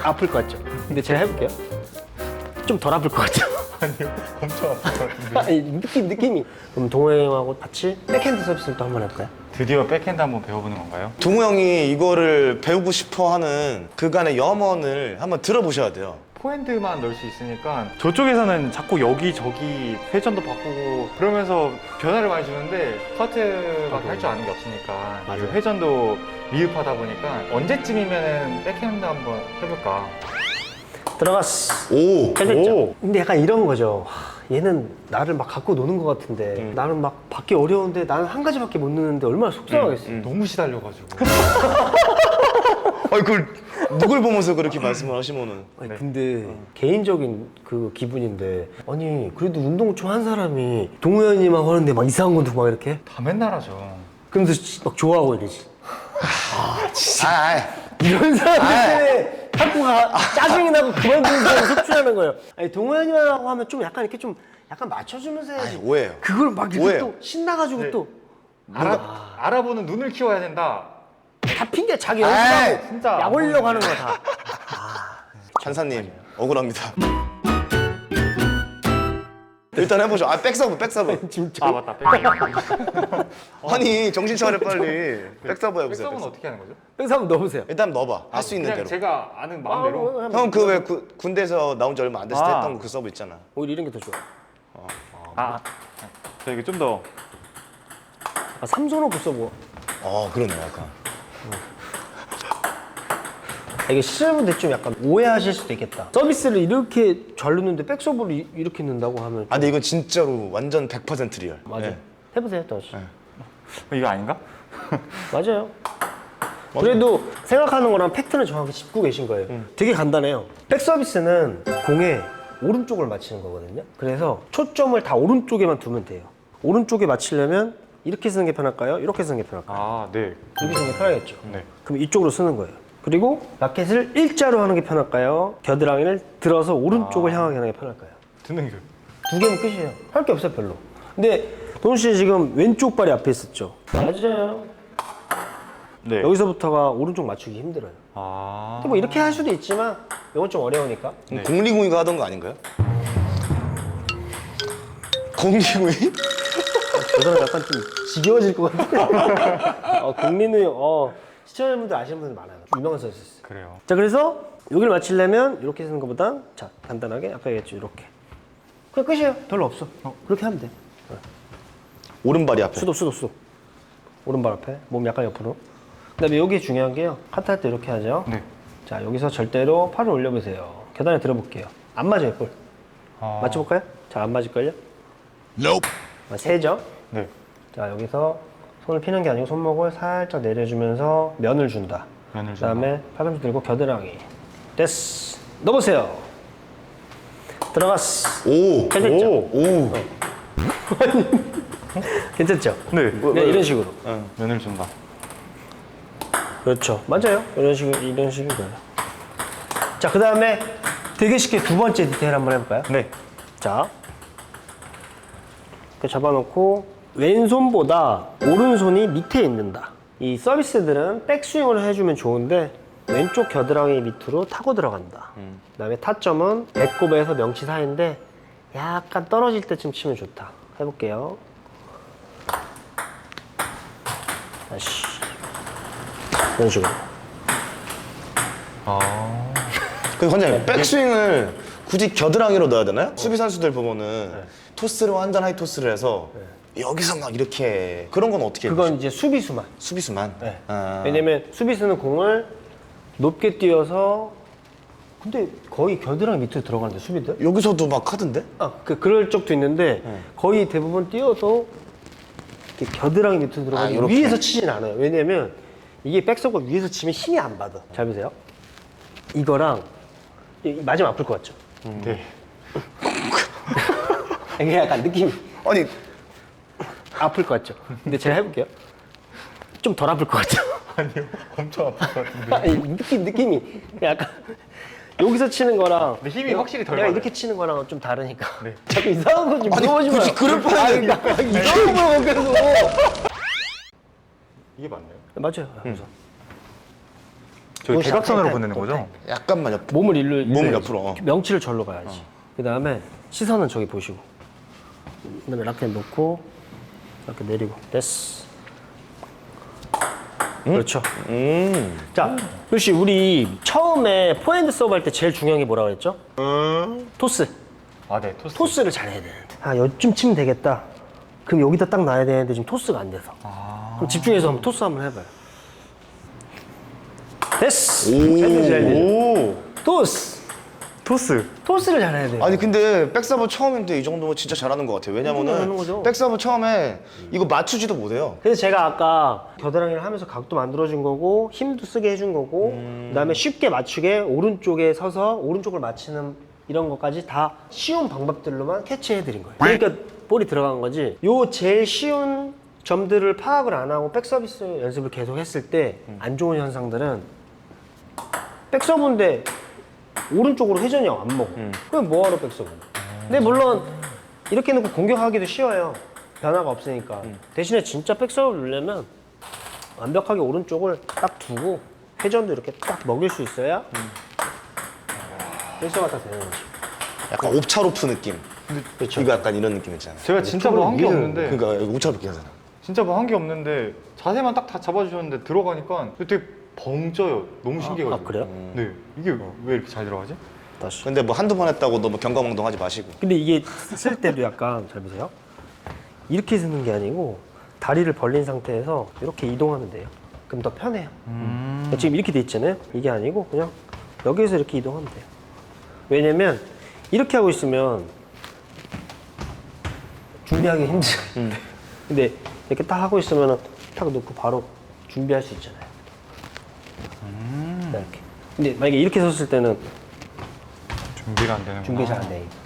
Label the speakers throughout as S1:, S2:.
S1: 아플 것 같죠? 근데 제가 해볼게요. 좀 덜 아플 것 같죠?
S2: 아니요, 엄청 아플 것 같은데.
S1: 아니, 느낌이. 그럼 동호 형하고 같이 백핸드 서비스를 또 한번 해볼까요?
S2: 드디어 백핸드 한번 배워보는 건가요?
S3: 동우 형이 이거를 배우고 싶어하는 그간의 염원을 한번 들어보셔야 돼요.
S2: 포핸드만 넣을 수 있으니까 저쪽에서는 자꾸 여기저기 회전도 바꾸고 그러면서 변화를 많이 주는데 스타트밖에 할 줄 아는 게 없으니까
S1: 맞아요.
S2: 회전도 미흡하다 보니까 언제쯤이면 백핸드 한번 해볼까?
S1: 들어갔어.
S3: 오!
S1: 잘 됐죠?
S2: 오.
S1: 근데 약간 이런 거죠. 얘는 나를 막 갖고 노는 것 같은데 나는 막 받기 어려운데 나는 한 가지밖에 못 넣는데 얼마나 속상하겠어.
S2: 너무 시달려가지고
S3: 아니, 그걸 누굴 보면서 그렇게 말씀을 하시면은.
S1: 아니, 근데 개인적인 그 기분인데 아니 그래도 운동 좋아하는 사람이 동호연이만 하는데 막 이상한 건 두고 막 이렇게
S2: 다 맨날 하죠.
S1: 그러면서 막 좋아하고 이러지. 이런 사람 때문에 자꾸 짜증이 나고 그만두는 사람 속출하는 거예요. 아니 동호연이만 하고 하면 좀 약간 이렇게 좀 약간 맞춰주면서 해야지.
S3: 아니, 오해예요.
S1: 그걸 막 이렇게
S3: 오해예요.
S1: 또 신나가지고
S2: 네.
S1: 또
S2: 알아보는 눈을 키워야 된다.
S1: 다 핑계 자기 연습하고
S2: 진짜
S1: 약 올리려고 하는 거야 다.
S3: 판사님, 억울합니다. 일단 해보죠. 백서브.
S1: 진짜.
S2: 아 맞다. 백서브.
S3: 아니, 정신 차려, 빨리. 백서브 해보세요.
S2: 백서브는
S3: 백서브.
S2: 어떻게 하는 거죠?
S1: 뺑사 한번 넣어보세요.
S3: 일단 넣어봐. 할 수 있는
S2: 그냥
S3: 대로.
S2: 제가 아는 마음대로.
S3: 형, 그 왜 군대에서 나온 지 얼마 안 됐을 때
S2: 아.
S3: 했던 그 서브 있잖아.
S1: 오히려 이런 게 더 좋아.
S2: 저 이거 좀 더.
S1: 아, 삼선호 붙어보.
S3: 그러네, 약간.
S1: 이게 시청자분들 좀 약간 오해하실 수도 있겠다. 서비스를 이렇게 잘 넣는데 백서브를 이렇게 넣는다고 하면 좀...
S3: 근데 이건 진짜로 완전 100% 리얼.
S1: 맞아.
S3: 네.
S1: 해보세요, 다시.
S2: 이거 아닌가?
S1: 맞아요. 그래도 생각하는 거랑 팩트는 정확히 짚고 계신 거예요. 되게 간단해요. 백서비스는 공에 오른쪽을 맞히는 거거든요. 그래서 초점을 다 오른쪽에만 두면 돼요. 오른쪽에 맞히려면 이렇게 쓰는 게 편할까요? 이렇게 쓰는 게 편할까요?
S2: 아 네.
S1: 이렇게 쓰는 게 편하겠죠.
S2: 네.
S1: 그럼 이쪽으로 쓰는 거예요. 그리고 라켓을 일자로 하는 게 편할까요? 겨드랑이를 들어서 오른쪽을 향하게 하는 게 편할까요?
S2: 듣는 게.
S1: 두 개면 끝이에요. 할 게 없어요, 별로. 근데 동훈 씨 지금 왼쪽 발이 앞에 있었죠? 맞아요.
S2: 네.
S1: 여기서부터가 오른쪽 맞추기 힘들어요.
S2: 아.
S1: 근데 뭐 이렇게 할 수도 있지만 이건 좀 어려우니까.
S2: 네.
S3: 공리공이가 하던 거 아닌가요? 공리공이?
S1: 저는 약간 좀 지겨워질 것 같아요. 공리는 시청자분들 아시는 분들 많아요. 좀 유명한 선수 있어요.
S2: 그래요.
S1: 자, 그래서 여기를 맞추려면 이렇게 쓰는 것보다 자, 간단하게 아까 얘기했죠, 이렇게. 그냥 끝이에요. 별로 없어. 그렇게 하면 돼.
S3: 오른발이 앞에.
S1: 수도. 오른발 앞에, 몸 약간 옆으로. 그다음에 여기 중요한 게요. 카트할 때 이렇게 하죠.
S2: 네.
S1: 자, 여기서 절대로 팔을 올려보세요. 계단에 들어볼게요. 안 맞아요, 볼.
S2: 아.
S1: 맞춰볼까요? 잘 안 맞을걸요?
S3: Nope.
S1: 세죠?
S2: 네.
S1: 자, 여기서 손을 피는 게 아니고 손목을 살짝 내려주면서 면을 준다.
S2: 면을
S1: 그 다음에 팔꿈치 들고 겨드랑이. 됐어. 넣어보세요. 들어갔어.
S3: 오.
S1: 잘 됐죠?
S3: 오.
S1: 괜찮죠?
S2: 네.
S1: 네, 이런 식으로.
S2: 면을 준다.
S1: 그렇죠. 맞아요. 이런 식인 거예요. 자, 그 다음에 되게 쉽게 두 번째 디테일 한번 해볼까요?
S2: 네.
S1: 자, 이렇게 잡아놓고 왼손보다 오른손이 밑에 있는다. 이 서비스들은 백스윙을 해주면 좋은데 왼쪽 겨드랑이 밑으로 타고 들어간다. 그 다음에 타점은 배꼽에서 명치 사이인데 약간 떨어질 때쯤 치면 좋다. 해볼게요. 다시 이런 식으로.
S2: 아.
S3: 그 관장님, 백스윙을 굳이 겨드랑이로 넣어야 되나요? 수비 선수들 보면은 토스를 완전 하이 토스를 해서 여기서 막 이렇게 그런 건 어떻게 해요?
S1: 그건 이제 수비수만.
S3: 수비수만.
S1: 네.
S3: 아.
S1: 왜냐면 수비수는 공을 높게 뛰어서 근데 거의 겨드랑이 밑으로 들어가는데 수비들?
S3: 여기서도 막 하던데?
S1: 그럴 적도 있는데 거의 대부분 뛰어서 이렇게 겨드랑이 밑으로 들어가고
S3: 이렇게.
S1: 위에서 치진 않아요. 왜냐면 이게 백서브가 위에서 치면 힘이 안 받아. 잘 보세요. 이거랑 맞으면 아플 것 같죠?
S2: 네.
S1: 이게 약간 느낌이
S3: 아니,
S1: 아플 것 같죠? 근데 제가 해볼게요. 좀 덜 아플 것 같죠?
S2: 아니요. 엄청 아플 것 같은데.
S1: 아니, 느낌이 약간 여기서 치는 거랑
S2: 근데 힘이 확실히 덜
S1: 내가
S2: 받아요.
S1: 이렇게 치는 거랑 좀 다르니까
S2: 네.
S1: 자꾸 이상한 거 좀 물어보지 마요.
S3: 굳이 그럴 뻔했네.
S1: 이상한 거 물어보면서
S2: 이게 맞나요?
S1: 맞아요. 그래서
S2: 저희
S1: 푸시,
S2: 대각선으로
S1: 백,
S2: 보내는
S1: 백,
S2: 거죠?
S3: 약간만 옆.
S1: 몸을 일로
S3: 몸을
S1: 일로
S3: 옆으로, 어.
S1: 명치를 절로 가야지. 그다음에 시선은 저기 보시고. 그다음에 라켓 놓고 이렇게 내리고. 됐어. 그렇죠. 자, 루시 우리 처음에 포핸드 서브 할 때 제일 중요한 게 뭐라고 그랬죠? 토스.
S2: 아, 네, 토스.
S1: 토스를 잘해야 되는데. 아, 요쯤 치면 되겠다. 그럼 여기다 딱 놔야 되는데 지금 토스가 안 돼서. 그럼 집중해서 한번 토스 한번 해봐요. 됐어. 잘 되죠, 잘 되죠.
S3: 오.
S1: 토스.
S2: 토스.
S1: 토스를 잘해야 돼요.
S3: 아니 근데 백서브 처음인데 이 정도면 진짜 잘하는 것 같아요.
S1: 잘하는
S3: 왜냐면은
S1: 거죠.
S3: 백서브 처음에 이거 맞추지도 못해요.
S1: 그래서 제가 아까 겨드랑이를 하면서 각도 만들어준 거고 힘도 쓰게 해준 거고 그다음에 쉽게 맞추게 오른쪽에 서서 오른쪽을 맞히는 이런 것까지 다 쉬운 방법들로만 캐치해드린 거예요. 그러니까 볼이 들어간 거지. 요 제일 쉬운 점들을 파악을 안 하고 백서비스 연습을 계속 했을 때 안 좋은 현상들은 백서브인데 오른쪽으로 회전이 안 먹어. 그럼 뭐하러 백서브? 근데 물론 이렇게 놓고 공격하기도 쉬워요. 변화가 없으니까. 대신에 진짜 백서브를 넣으려면 완벽하게 오른쪽을 딱 두고 회전도 이렇게 딱 먹일 수 있어야 백서브가 딱 되는 거지.
S3: 약간 옵차로프 느낌.
S1: 그렇죠.
S3: 이거 약간 이런 느낌 있잖아요.
S2: 제가 진짜 뭐 한 게 없는데,
S3: 그러니까 옵차로프 하잖아.
S2: 진짜 뭐 한 게 없는데 자세만 딱 다 잡아주셨는데 들어가니까 되게 벙쪄요. 너무 신기해가지고.
S1: 아, 그래요?
S2: 네, 이게 왜 이렇게 잘 들어가지?
S1: 다시.
S3: 근데 뭐 한두 번 했다고 너무 경거망동하지 마시고.
S1: 근데 이게 쓸 때도 약간 잘 보세요. 이렇게 쓰는 게 아니고 다리를 벌린 상태에서 이렇게 이동하면 돼요. 그럼 더 편해요. 지금 이렇게 돼 있잖아요. 이게 아니고 그냥 여기에서 이렇게 이동하면 돼요. 왜냐면 이렇게 하고 있으면 준비하기 힘들어요. 근데 이렇게 딱 하고 있으면 탁 놓고 바로 준비할 수 있잖아요. 이렇게. 근데 만약에 이렇게 섰을 때는
S2: 준비가 안 되는 거.
S1: 준비 잘 안 돼.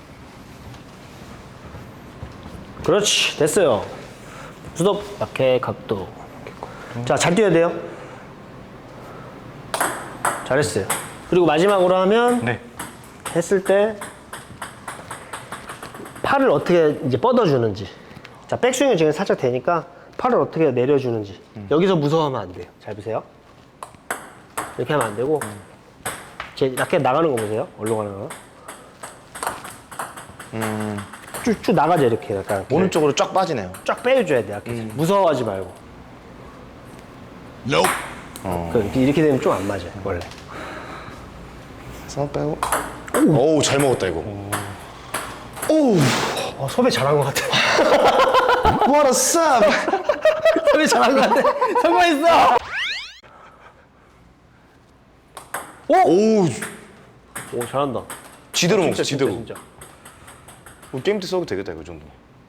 S1: 그렇지, 됐어요. 수덥, 약해, 각도. 자, 잘 뛰어야 돼요. 잘했어요. 그리고 마지막으로 하면
S2: 네.
S1: 했을 때 팔을 어떻게 이제 뻗어주는지. 자, 백스윙은 지금 살짝 되니까 팔을 어떻게 내려주는지. 여기서 무서워하면 안 돼요. 잘 보세요. 이렇게 하면 안 되고. 제 라켓 나가는 거 보세요. 어디로 가는 거. 쭉 나가죠, 이렇게. 약간.
S3: 오른쪽으로 쫙 빠지네요.
S1: 쫙 빼줘야 돼, 라켓. 무서워하지 말고. 이렇게 되면 좀 안 맞아요, 원래.
S3: 손 빼고. 오우 잘 먹었다 이거. 오우
S1: 섭외 잘한 것 같아.
S3: what a sub.
S1: 섭외 잘한 것 같아. 성공했어!
S3: 오우
S1: 오, 잘한다.
S3: 지대로
S1: 진짜,
S3: 먹었어 지대로.
S1: 진짜.
S3: 우리 게임 때 써도 되겠다 이거 정도.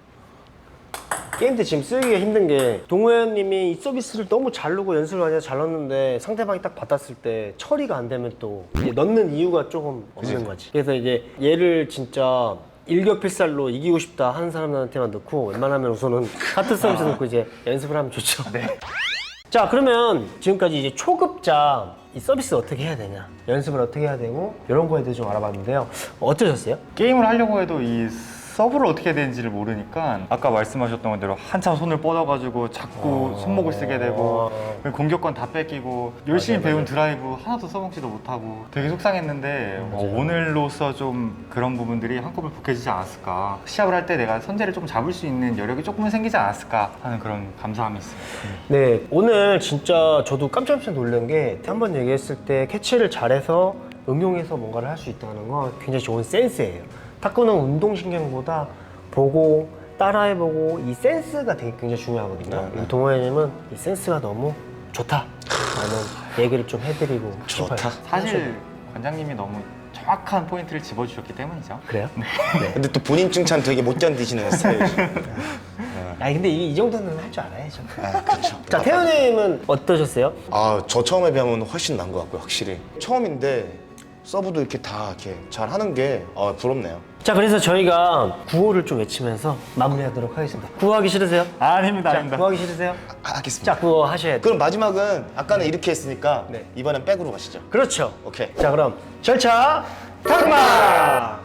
S1: 게임 때 지금 쓰기가 힘든 게 동호연님이 이 서비스를 너무 잘 넣고 연습을 많이 해서 잘 넣었는데 상대방이 딱 받았을 때 처리가 안 되면 또 이제 넣는 이유가 조금 없는 거지. 그래서 이제 얘를 진짜 일격필살로 이기고 싶다 하는 사람들한테만 넣고 웬만하면 우선은 카트 서비스 넣고 이제 연습을 하면 좋죠.
S2: 네.
S1: 자, 그러면 지금까지 이제 초급자 이 서비스 어떻게 해야 되냐, 연습을 어떻게 해야 되고 이런 거에 대해 좀 알아봤는데요. 어떠셨어요?
S2: 게임을 하려고 해도 이 서브를 어떻게 해야 되는지를 모르니까 아까 말씀하셨던 대로 한참 손을 뻗어가지고 자꾸 손목을 쓰게 되고 공격권 다 뺏기고 열심히 배운 드라이브 하나도 써먹지도 못하고 되게 속상했는데 오늘로서 좀 그런 부분들이 한꺼번에 복해지지 않았을까, 시합을 할 때 내가 선제를 좀 잡을 수 있는 여력이 조금은 생기지 않았을까 하는 그런 감사함이 있습니다.
S1: 네, 오늘 진짜 저도 깜짝 놀란 게 한번 얘기했을 때 캐치를 잘해서 응용해서 뭔가를 할 수 있다는 건 굉장히 좋은 센스예요. 탁구는 운동신경보다 보고 따라해보고 이 센스가 되게 굉장히 중요하거든요. 우리 동호회님은 이 센스가 너무 좋다라는 얘기를 좀 해드리고
S3: 좋다.
S1: 싶어요.
S2: 사실 관장님이 너무 정확한 포인트를 집어주셨기 때문이죠.
S1: 그래요?
S3: 근데 또 본인 칭찬 되게 못 견디시는 스타일이죠.
S1: 아니 근데 이 정도는 할 줄 알아야죠.
S3: 아 그렇죠.
S1: 자, 태현님은 어떠셨어요?
S3: 아저 처음에 비하면 훨씬 나은 것 같고요 확실히. 처음인데 서브도 이렇게 다 이렇게 잘 하는 게 부럽네요.
S1: 자, 그래서 저희가 구호를 좀 외치면서 마무리하도록 하겠습니다. 구호하기 싫으세요?
S2: 아닙니다,
S1: 자,
S2: 아닙니다.
S1: 구호하기 싫으세요?
S3: 하겠습니다.
S1: 자, 구호 하셔야 돼요.
S3: 그럼 마지막은 아까는 이렇게 했으니까
S1: 네.
S3: 이번엔 백으로 가시죠.
S1: 그렇죠.
S3: 오케이.
S1: 자, 그럼 절차 탁마.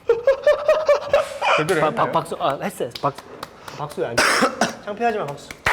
S2: 제대로 했나요?
S1: 박수. 했어요. 박수 안. 창피하지 마, 박수.